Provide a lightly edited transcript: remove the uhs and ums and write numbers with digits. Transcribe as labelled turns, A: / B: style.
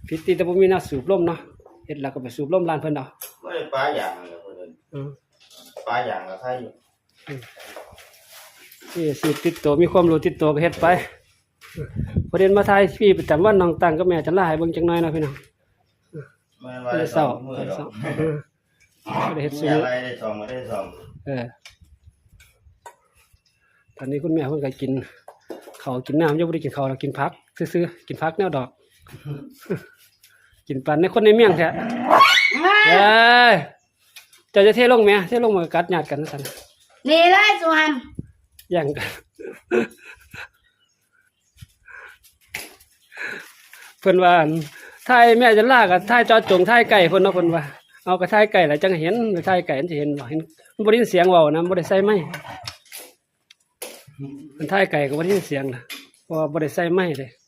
A: ผิดตีแต่บ่มีน้าสูบลมเนาะเฮ็ดแล้วก็ไปสูบลมร้านเพิ่นเอา
B: บ่ได้ปลาอย่างเลยเพิ่นปลาอย่างก็ใครอยู่
A: นี่สิติดตัวมีความรู้ติดตัวก็เฮ็ดไปประเด็นมาทายพี่ประจำวันน้องตังกับแม่จันลาให้เบิ่งจักหน่อยนะพี่น้อง
B: แม่นว่าได้สองมื้อดอก
A: บ่ได้เฮ็ดซุ
B: มีอะไรได้สองบ่ได้สอง
A: ตอนนี้คุณแม่เพิ่นก็กินข้าวกินน้ำยังบ่ได้กินข้าวแล้วกินผักซื่อๆกินผักแนวดอกกินปันในคนในเมียงแท้เอ้ยเจ้าจะเทลงแม่เทลงมากัดญาติกันซั่น
C: นี่เลยสุวรรณ
A: แย่งกันเพิ่นว่าถ่ายแม่จันลากับถ่ายจอจงถ่ายไก่เพิ่นเนาะเพิ่นว่าเอากระถ่ายไก่แล้วจังเห็นถ่ายไก่มันสิเห็นบ่เห็นมันบ่ได้ยินเสียงเว้านะบ่ได้ใส่ไม้มันถ่ายไก่ก็บ่ได้ยินเสียงนะเพราะว่าบ่ได้ใส่ไม้เลย